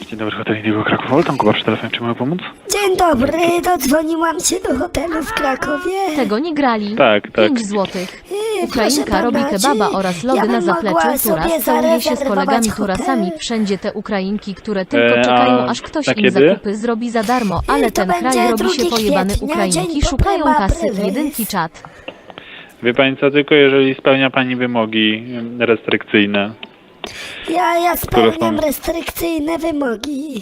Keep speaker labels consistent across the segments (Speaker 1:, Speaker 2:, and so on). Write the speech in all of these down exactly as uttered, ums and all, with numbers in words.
Speaker 1: Dzień dobry, hotel Indigo Kraków. Woltam Kuba przy telefonie, czy mogę pomóc?
Speaker 2: Dzień dobry, dodzwoniłam się do hotelu w Krakowie.
Speaker 3: Tego nie grali.
Speaker 1: Tak, tak.
Speaker 3: pięć złotych.
Speaker 2: Yy,
Speaker 3: Ukrainka
Speaker 2: proszę
Speaker 3: robi
Speaker 2: pana,
Speaker 3: kebaba
Speaker 2: czy
Speaker 3: oraz
Speaker 2: ja
Speaker 3: lody
Speaker 2: bym
Speaker 3: na
Speaker 2: mogła
Speaker 3: zapleczu
Speaker 2: sobie
Speaker 3: turas. Całuje się z kolegami
Speaker 2: zarezerwować
Speaker 3: turasami.
Speaker 2: hotel?
Speaker 3: Wszędzie te Ukrainki, które tylko
Speaker 1: E, a
Speaker 3: czekają, aż ktoś
Speaker 1: na
Speaker 3: im
Speaker 1: kiedy?
Speaker 3: zakupy zrobi za darmo. Ale
Speaker 2: to
Speaker 3: ten kraj
Speaker 2: będzie
Speaker 3: robi się
Speaker 2: drugiego
Speaker 3: pojebany.
Speaker 2: kwietnia,
Speaker 3: Ukrainki
Speaker 2: dzień
Speaker 3: szukają
Speaker 2: potem
Speaker 3: kasy.
Speaker 2: april.
Speaker 3: Jedynki czat.
Speaker 1: Wie pani co, tylko jeżeli spełnia pani wymogi em, restrykcyjne.
Speaker 2: Ja, ja
Speaker 1: Które
Speaker 2: spełniam
Speaker 1: są-
Speaker 2: restrykcyjne wymogi.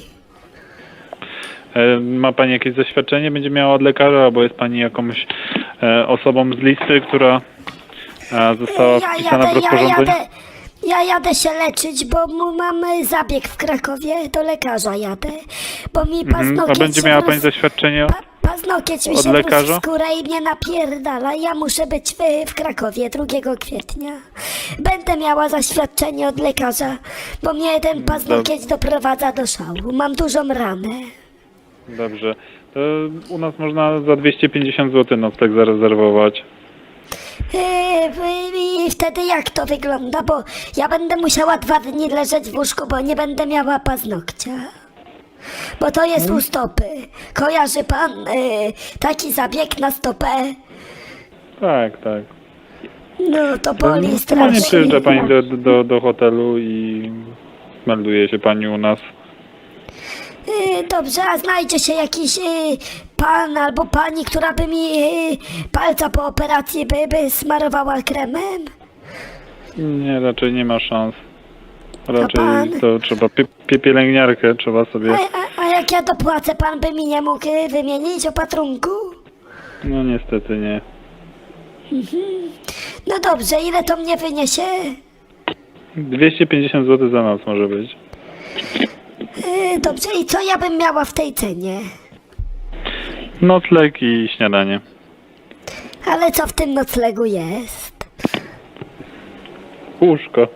Speaker 1: E, Ma pani jakieś zaświadczenie? Będzie miała od lekarza, albo jest pani jakąś e, osobą z listy, która e, została
Speaker 2: Ja
Speaker 1: wpisana w
Speaker 2: jadę, ja
Speaker 1: rozporządzenie?
Speaker 2: jadę, ja jadę się leczyć, bo mu mamy zabieg w Krakowie, do lekarza jadę. Bo mi
Speaker 1: Mhm.
Speaker 2: paznokieć
Speaker 1: A będzie
Speaker 2: się
Speaker 1: miała
Speaker 2: wroz-
Speaker 1: pani zaświadczenie?
Speaker 2: Pa, paznokieć mi
Speaker 1: Od
Speaker 2: się wrósł
Speaker 1: lekarza?
Speaker 2: w skórę i mnie napierdala. Ja muszę być w, w Krakowie drugiego kwietnia. Będę miała zaświadczenie od lekarza, bo mnie ten paznokieć doprowadza do szału. Mam dużą ranę.
Speaker 1: Dobrze. To u nas można za dwieście pięćdziesiąt złotych nocleg zarezerwować.
Speaker 2: Yy, I wtedy jak to wygląda? Bo ja będę musiała dwa dni leżeć w łóżku, bo nie będę miała paznokcia. Bo to jest u stopy. Kojarzy pan yy, taki zabieg na stopę?
Speaker 1: Tak, tak.
Speaker 2: No to boli
Speaker 1: Normalnie
Speaker 2: strasznie.
Speaker 1: przyjeżdża pani do, do, do hotelu i melduje się pani u nas.
Speaker 2: Yy, dobrze, a znajdzie się jakiś yy, pan albo pani, która by mi yy, palca po operacji by, by smarowała kremem?
Speaker 1: Nie, raczej nie ma szans. Raczej
Speaker 2: pan?
Speaker 1: to trzeba pie, pie, pielęgniarkę trzeba
Speaker 2: A,
Speaker 1: sobie.
Speaker 2: a, a jak ja dopłacę, pan by mi nie mógł yy, wymienić opatrunku?
Speaker 1: No niestety nie.
Speaker 2: No dobrze, ile to mnie wyniesie?
Speaker 1: dwieście pięćdziesiąt złotych za noc może być.
Speaker 2: Yy, dobrze, i co ja bym miała w tej cenie?
Speaker 1: Nocleg i śniadanie.
Speaker 2: Ale co w tym noclegu jest?
Speaker 1: Łóżko.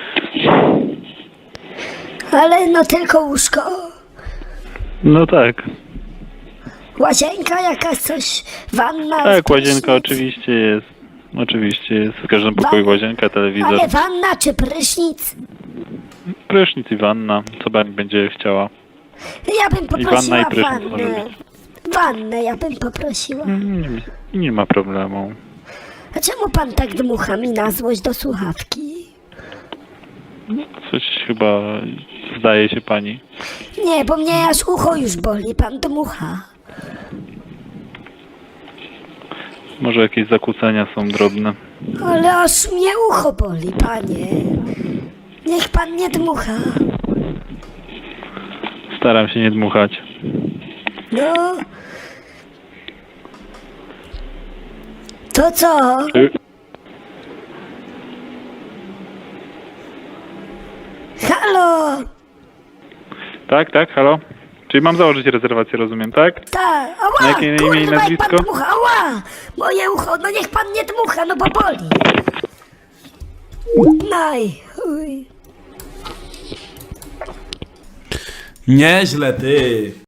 Speaker 2: Ale no tylko łóżko.
Speaker 1: No tak.
Speaker 2: Łazienka jakaś, coś, wanna?
Speaker 1: Tak, łazienka
Speaker 2: prysznic?
Speaker 1: oczywiście jest. Oczywiście jest. W każdym pokoju
Speaker 2: Wa-
Speaker 1: łazienka, telewizor.
Speaker 2: Ale wanna czy prysznic?
Speaker 1: Prysznic i wanna, co pani będzie chciała.
Speaker 2: Ja bym
Speaker 1: I wanna
Speaker 2: poprosiła
Speaker 1: i prysznic może
Speaker 2: wannę.
Speaker 1: być.
Speaker 2: Wannę ja bym poprosiła.
Speaker 1: Nie, nie ma problemu.
Speaker 2: A czemu pan tak dmucha mi na złość do słuchawki?
Speaker 1: Coś chyba zdaje się pani.
Speaker 2: Nie, bo mnie aż ucho już boli, pan dmucha.
Speaker 1: Może jakieś zakłócenia są drobne.
Speaker 2: Ale aż mnie ucho boli, panie. Niech pan nie dmucha.
Speaker 1: Staram się nie dmuchać.
Speaker 2: No. To co?
Speaker 1: Y,
Speaker 2: Halo?
Speaker 1: Tak, tak, halo? Czyli mam założyć rezerwację, rozumiem, tak?
Speaker 2: Tak. Ała,
Speaker 1: Na jakie imię i
Speaker 2: kurwa, jak
Speaker 1: nazwisko?
Speaker 2: pan dmucha. Ała, moje ucho. No niech pan nie dmucha, no bo boli. Naj. Uj.
Speaker 4: Nieźle, ty.